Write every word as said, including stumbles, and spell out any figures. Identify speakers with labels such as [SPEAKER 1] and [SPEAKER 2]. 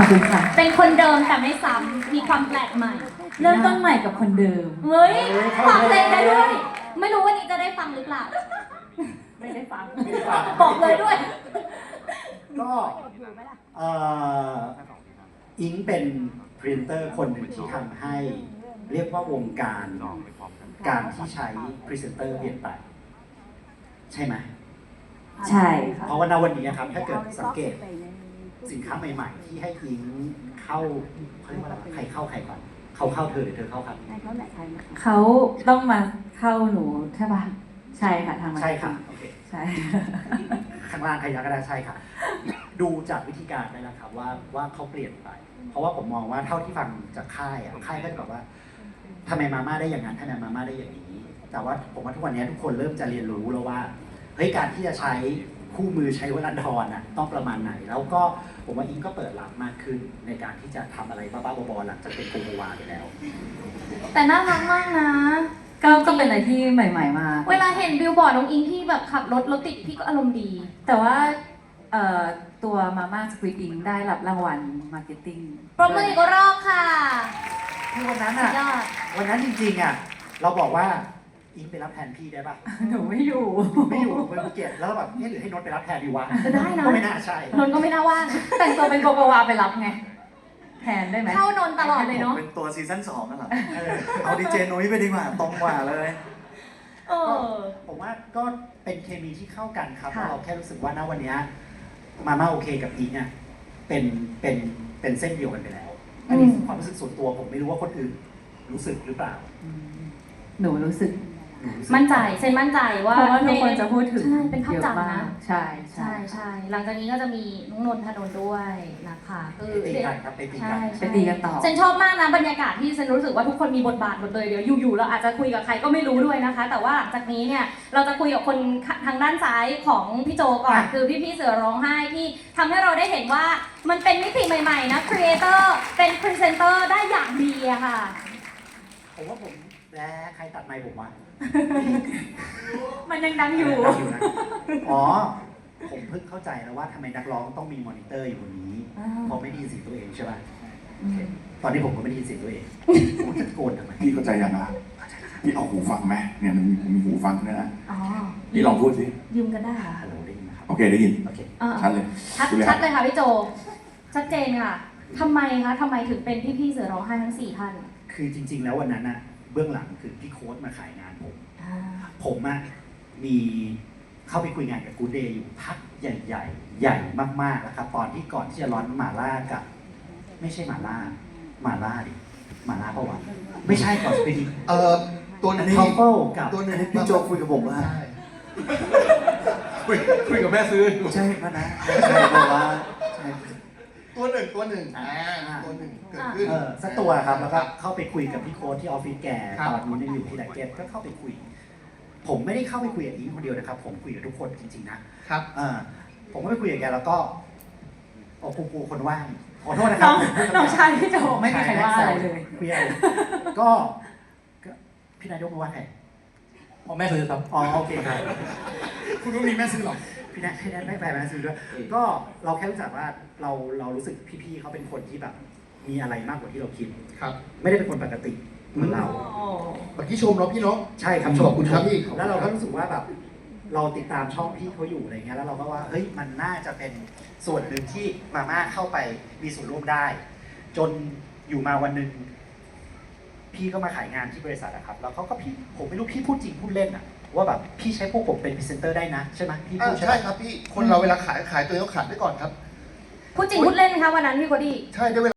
[SPEAKER 1] คุณค่ะ
[SPEAKER 2] เป็นคนเดิมแต่ไม่ซ้ำมีความแปลกใหม่
[SPEAKER 1] เริ่มต้นใหม่กับคนเดิม
[SPEAKER 2] เฮ้ยฟังเพลงได้ด้วย ไม่รู้วันนี้จะได้ฟังหรือเปล่า
[SPEAKER 1] ไม่ได้ฟัง
[SPEAKER 3] ไม่ได้ฟัง
[SPEAKER 2] บอกเลยด้วย
[SPEAKER 3] ก็เอ่ออิงเป็นพรีเซนเตอร์คนหนึ่งที่ทำให้เรียกว่าวงการการที่ใช้พรีเซนเตอร์เปลี่ยนไปใช่ไหม
[SPEAKER 1] ใช่ค่ะ
[SPEAKER 3] เพราะว่าณวันนี้นะครับถ้าเกิดสังเกตสินค้าใหม่ๆ ที่ให้อิงเข้าเขาเรียกว่าอะไรใครเข้าใครก่อนเขาเข้าเธอหรือเธอเข้าครับ
[SPEAKER 1] เขาต้องมาเข้าหนูใช่ป่ะ ใช่ค่ะทางมา
[SPEAKER 3] ใช่ค่ะโอเค
[SPEAKER 1] ใช่
[SPEAKER 3] ข้างล่างใครอยากก็ได้ใช่ค่ะ ดูจากวิธีการได้แล้วครับว่าว่าเขาเปลี่ยนไป เพราะว่าผมมองว่าเท่าที่ฟังจากค่ายอ่ะค่ายก็จะบอกว่าทำไมมาม่าได้อย่างนั้นทำไมมาม่าได้อย่างนี้ แต่ว่าผมว่าทุกวันนี้ทุกคนเริ่มจะเรียนรู้แล้วว่าเฮ้ยการที่จะใช้คู่มือใช้วลันทรอ่ะต้องประมาณไหน แล้วก็ผมว่าอิงก็เปิดรับมากขึ้นในการที่จะทำอะไรบ้าๆบอๆหลังจากเป็นโกโกวาไปแล้ว
[SPEAKER 2] แต่น่ารักมากนะ
[SPEAKER 1] ก็ก็เป็นอะไรที่ใหม่ ๆ มาก
[SPEAKER 2] เวลาเห็นบิลบอร์ดน้องอิงที่แบบขับรถรถติดพี่ก็อารมณ์ดี
[SPEAKER 1] แต่ว่าเอ่อตัวมาม่าสควิดอิงได้รับรางวัลมาร์เก็ตติ้ง
[SPEAKER 2] ปรบมืออีกรอบค่ะ
[SPEAKER 3] ที่วันนั้น
[SPEAKER 2] สุ
[SPEAKER 3] อ่ะ
[SPEAKER 2] ดยอด
[SPEAKER 3] วันนั้นจริงๆอ่ะเราบอกว่าอิงไปรับแทนพี่ได้ปะ
[SPEAKER 1] หนูไม่อยู่
[SPEAKER 3] ไม่อยู่ไปภูเก็ตแล้วแบบเนี่ยหรือให้นนท์ไปรับแทนดีวะ
[SPEAKER 2] ได้นะ
[SPEAKER 3] ก็ไม่น่าใช่
[SPEAKER 2] นนท์ก็ไม่น่าว่าง
[SPEAKER 1] แต่งตัวเป็นโกโกวาไปรับไง แทนได้ไหม
[SPEAKER 2] เข้านนท์ตลอดเลยเนาะ
[SPEAKER 4] เป็นตัวซีซั่นสองนั่นแหละ
[SPEAKER 3] เออ
[SPEAKER 4] เอาดีเจนุ้ยไปดีกว่า ตรงกว่าเลย
[SPEAKER 2] เออ
[SPEAKER 3] ผมว่าก็เป็นเคมีที่เข้ากันครับ
[SPEAKER 1] ค่ะ
[SPEAKER 3] เราแค่รู้สึกว่าณวันเนี้ยมาม่าโอเคกับอิงอ่ะเป็นเป็นเป็นเส้นเดียวกันไปแล้ว อันนี้คือความรู้สึกส่วนตัวผมไม่รู้ว่าคนอื่นรู้สึกหรือเปล่า
[SPEAKER 1] อืมหนูรู้สึก
[SPEAKER 3] หนูรู้สึก
[SPEAKER 2] มั่นใจเซนมั่นใจว่า
[SPEAKER 1] เพราะว่าทุกคนจะพูดถึง
[SPEAKER 2] ใช่เป็นภาพ
[SPEAKER 1] เยอะ
[SPEAKER 2] จำ
[SPEAKER 1] มา
[SPEAKER 2] นะ
[SPEAKER 1] กใช่ใช่
[SPEAKER 2] ใช่ใช่หลังจากนี้ก็จะมีน้องนนทนนท์ด้วยนะคะคือ
[SPEAKER 3] ไปตีกันครับไปตี
[SPEAKER 2] ใช่
[SPEAKER 3] กัน
[SPEAKER 1] ไปตีกันต่อ
[SPEAKER 2] เซนชอบมากนะบรรยากาศที่เซนรู้สึกว่าทุกคนมีบทบาทหมดเลยเดี๋ยวอยู่ๆเราอาจจะคุยกับใครก็ไม่รู้ด้วยนะคะ แต่ว่าหลังจากนี้เนี่ยเราจะคุยกับคนทางด้านซ้ายของพี่โจก่อนคือพี่ๆเสือร้องไห้ที่ทำให้เราได้เห็นว่ามันเป็นมิติใหม่ๆนะครีเอเตอร์เป็นพรีเซนเตอร์ได้อย่างดีอะค่ะ
[SPEAKER 3] ผมว่าผมแล้ใครตัดไมค์ผมวะ
[SPEAKER 1] มันยังดังอยู่
[SPEAKER 3] ดังอยู่นะอ๋อ ผมเพิ่งเข้าใจแล้วว่าทำไมนักร้องต้องมีมอนิเตอร์อยู่บนนี้
[SPEAKER 2] อ่า
[SPEAKER 3] เพราะไม่ได้ยินเสียงตัวเองใช่ป่ะโอเคตอนนี้ผมก็ไม่ได้ยินเสียงตัวเองผมจะตะโกนทำไม
[SPEAKER 5] พี่เข้าใจยังอ่ะพี่เอาหูฟังไหมเนี่ยมันมีหูฟังด้วยนะ
[SPEAKER 2] อ๋อ
[SPEAKER 5] พี่ลองพูดสิ
[SPEAKER 2] ยืมกันได้ค่ะ
[SPEAKER 3] ฮัลโหลได้ยินไหมครับ
[SPEAKER 5] โอเคได้ยิน
[SPEAKER 3] โอเค
[SPEAKER 2] อ่า
[SPEAKER 5] ชัดเลย
[SPEAKER 2] ชัด
[SPEAKER 5] ดูเลยค
[SPEAKER 2] ชั
[SPEAKER 5] รั
[SPEAKER 2] ด
[SPEAKER 5] บ
[SPEAKER 2] เลยค่ะพี่โจ ชัดเจนค่ะทำไมคะทำไมถึงเป็นพี่ๆเสือร้องไห้ทั้งสี่ท่าน
[SPEAKER 3] คือจริง ๆ แล้ววันนั้นอะเบื้องหลังคือพี่โค้ดมาขายงานผม
[SPEAKER 2] อ่า
[SPEAKER 3] ผมอะมีเข้าไปคุยงานกับกูเดย์อยู่พักใหญ่ๆ ใหญ่มากๆแล้วครับ ตอนที่ก่อนที่จะร้อนหมาล่ากับ ไม่ใช่หมาล่าหมาล่าดิหมาล่าปะวะไม่ใช่ก่อนจะเป็น
[SPEAKER 6] เอ่อตัวหนึง
[SPEAKER 3] ทัฟเฟิลกับ
[SPEAKER 6] ตัวหนึง
[SPEAKER 4] พี่โจคุยกับผมว่า
[SPEAKER 6] ใช่
[SPEAKER 4] คุยคุยกับแม่ซื้อ
[SPEAKER 3] ใช่ปะนะใช่ปะวะใช่
[SPEAKER 6] ตัวหนึ่งตัวหนึ่งอ่าตัวหนึ่งเกิดขึ้น
[SPEAKER 3] เออสักตัวครับแล้วก็เข้าไปคุยกับพี่โค้ดที่ออฟฟิศแก
[SPEAKER 6] ครับ
[SPEAKER 3] ตอนนู้นยังอยู่ที่ไดเก็ตก็เข้าไปคุย ผมไม่ได้เข้าไปคุยกับอีคนเดียวนะครับ ผมคุยกับทุกคนจริงๆนะครับ เออผมก็ไปคุยกับแกแล้วก็โอ้กูกูคนว่างขอโทษนะค
[SPEAKER 1] น้
[SPEAKER 3] รั
[SPEAKER 1] อบ งน้องชายพี่โจไม่มีใครว่าอะไรเลย
[SPEAKER 3] คุยอะไรก็ก็พี่นายกมาว่าใคร
[SPEAKER 4] พ่อแม่ซื้อครับ
[SPEAKER 3] อ๋อโอเคครับ
[SPEAKER 6] คุณรู้มีแม่ซื้อหรอ
[SPEAKER 3] พี่นายพี่นายไม่ไปมาซื้อด้วยก็เราแค่รู้สึกว่าเราเรารู้สึกพี่ๆเขาเป็นคนที่แบบ มีอะไรมากกว่าที่เราคิด
[SPEAKER 6] ครับ
[SPEAKER 3] ไม่ได้เป็นคนปกติเหมือนเรา
[SPEAKER 6] เมื่อกี้ชมเนาะพี่เนาะ
[SPEAKER 3] ใช่ครับ
[SPEAKER 6] ขอบคุณครับพี่
[SPEAKER 3] แล้วเราก็รู้สึกว่าแบบเราติดตามช่องพี่เขาอยู่อะไรเงี้ยแล้วเราก็ว่าเฮ้ยมันน่าจะเป็นส่วนหนึ่งที่มาม่าเข้าไปมีส่วนร่วมได้ จนอยู่มาวันหนึ่งพี่ก็มาขายงานที่บริษัทอะครับแล้วเขาก็พี่ผมไม่รู้พี่พูดจริงพูดเล่นอะว่าแบบพี่ใช้พวกผมเป็นพรีเซนเตอร์ได้นะใช่ไหมพี่
[SPEAKER 6] อ่า
[SPEAKER 3] พูดใช่ไหม
[SPEAKER 6] ใช่ครับพี่ คนเราเวลาขายขายตัวเองต้องขายไว้ก่อนครับ
[SPEAKER 2] พูดจริงพูดเล่นไหมคะวันนั้นพี่โคดี้
[SPEAKER 6] ใช่ด้วยเวลา